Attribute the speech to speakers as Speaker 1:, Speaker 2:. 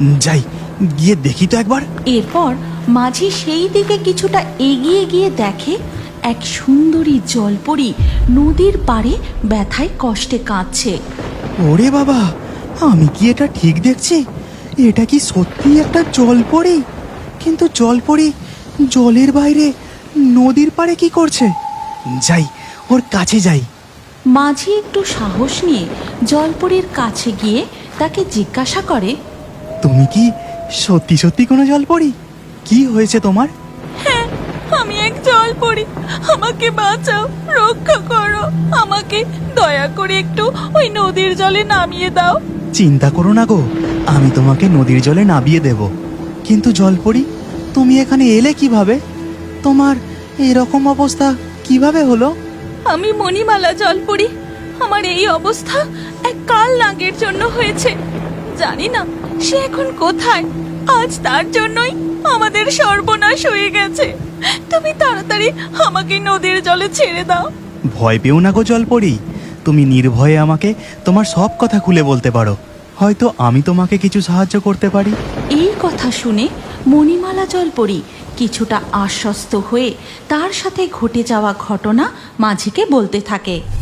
Speaker 1: যাই, গিয়ে দেখি তো একবার।
Speaker 2: এরপর মাঝি সেই দিকে কিছুটা এগিয়ে গিয়ে দেখে এক সুন্দরী জলপরি নদীর পাড়ে ব্যথায় কষ্টে কাঁদছে।
Speaker 1: ওরে বাবা, আমি কি এটা ঠিক দেখছি? এটা কি সত্যি একটা জলপরি? কিন্তু জলপরি জলের বাইরে নদীর পাড়ে কি করছে? যাই, ওর কাছে যাই।
Speaker 2: মাঝি একটু সাহস নিয়ে জলপরির কাছে গিয়ে তাকে জিজ্ঞাসা করে,
Speaker 1: তুমি কি সত্যি সত্যি কোনো জলপরি? কি হয়েছে তোমার?
Speaker 2: হ্যাঁ, আমি এক জলপরি, আমাকে বাঁচাও, রক্ষা করো, আমাকে দয়া করে একটু ওই নদীর জলে নামিয়ে দাও।
Speaker 1: চিন্তা করো না গো, আমি তোমাকে নদীর জলে নামিয়ে দেব। কিন্তু জলপরি, তুমি এখানে এলে কিভাবে? তোমার এরকম অবস্থা কিভাবে হলো?
Speaker 2: আমি মণিমালা জলপরি, আমার এই অবস্থা এক কাল নাগের জন্য হয়েছে। জানি না সে এখন কোথায়, আজ তার জন্যই আমাদের সর্বনাশ হয়ে গেছে। তুমি তাড়াতাড়ি আমাকে নদীর জলে ছেড়ে দাও।
Speaker 1: ভয় পেও না গো জলপরি, তুমি নির্ভয়ে আমাকে তোমার সব কথা খুলে বলতে পারো, হয়তো আমি তোমাকে কিছু সাহায্য করতে পারি।
Speaker 2: এই কথা শুনে মণিমালা জলপরি কিছুটা আশ্বস্ত হয়ে তার সাথে ঘটে যাওয়া ঘটনা মাঝিকে বলতে থাকে।